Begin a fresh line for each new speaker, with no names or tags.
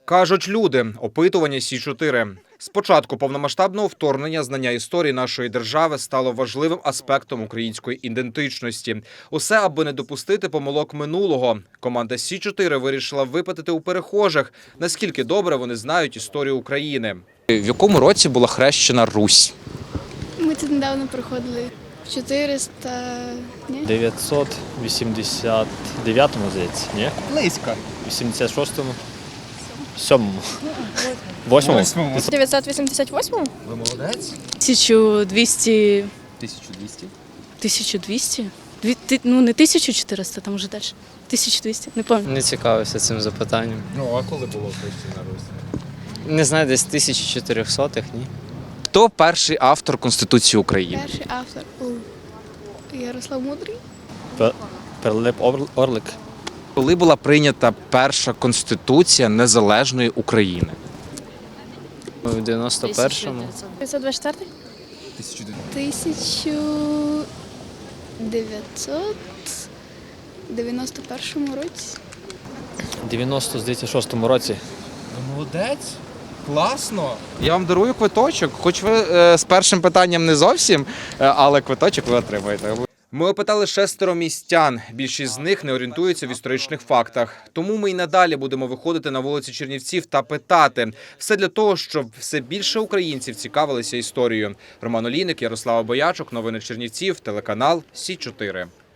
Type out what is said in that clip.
Кажуть люди, опитування Сі-4. З початку повномасштабного вторгнення знання історії нашої держави стало важливим аспектом української ідентичності. Усе, аби не допустити помилок минулого. Команда Сі-4 вирішила випитати у перехожих, наскільки добре вони знають історію України. В якому році була хрещена Русь?
Ми це недавно проходили. В 400... Ні?
989-му, здається, ні?
Близько.
86-му? 7-му? 8-му?
988?
Ви молодець?
1200.
1200?
1200? Ну, не 1400, там вже далі. 1200, не пам'ятаю.
Не цікавився цим запитанням.
Ну, а коли було хрещена Русь?
Не знаю, десь 1400-х, ні?
Хто перший автор Конституції України?
Перший автор Ярослав Мудрий.
Пилип Орлик.
Коли була прийнята перша Конституція незалежної України?
В 91-му.
524?
1991 році.
96-му році.
Молодець. Класно. Я вам дарую квиточок, хоч ви з першим питанням не зовсім, але квиточок ви отримаєте. Ми опитали 6 містян. Більшість з них не орієнтуються в історичних фактах. Тому ми й надалі будемо виходити на вулиці Чернівців та питати. Все для того, щоб все більше українців цікавилися історією. Роман Олійник, Ярослава Боячук, новини Чернівців, телеканал Сі 4.